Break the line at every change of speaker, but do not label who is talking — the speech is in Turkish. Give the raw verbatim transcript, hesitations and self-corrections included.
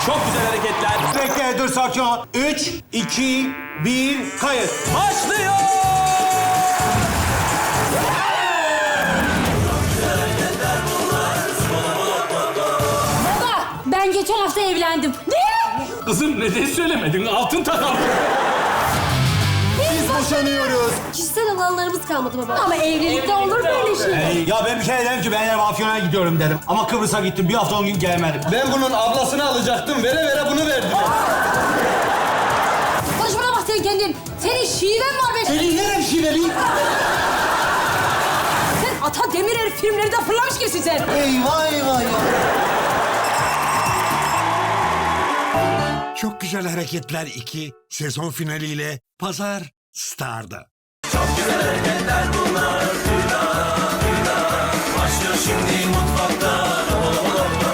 Çok güzel hareketler.
Bekle, dur, sakin ol. Üç, iki, bir, kayıt.
Başlıyor.
Baba, ben geçen hafta evlendim. Ne?
Kızım neden söylemedin? Altın takam.
Biz boşanıyoruz.
Kişisel alanlarımız kalmadı baba. Ama evlilikte olur böyle şey.
Ee, ya ben bir kere dedim ki ben yarın Afyon'a gidiyorum dedim. Ama Kıbrıs'a gittim. Bir hafta on gün gelemedim.
Ben bunun ablasını alacaktım. Vere vere bunu verdiler.
Konuşmana bak sen kendin. Senin şiven var be.
Senin nerem şiveli?
Sen Ata Demirer filmlerinde fırlamış gibisin sen.
Eyvah eyvah ya.
Çok Güzel Hareketler iki sezon finaliyle Pazar Star'da.
Başlıyor şimdi mutfakta.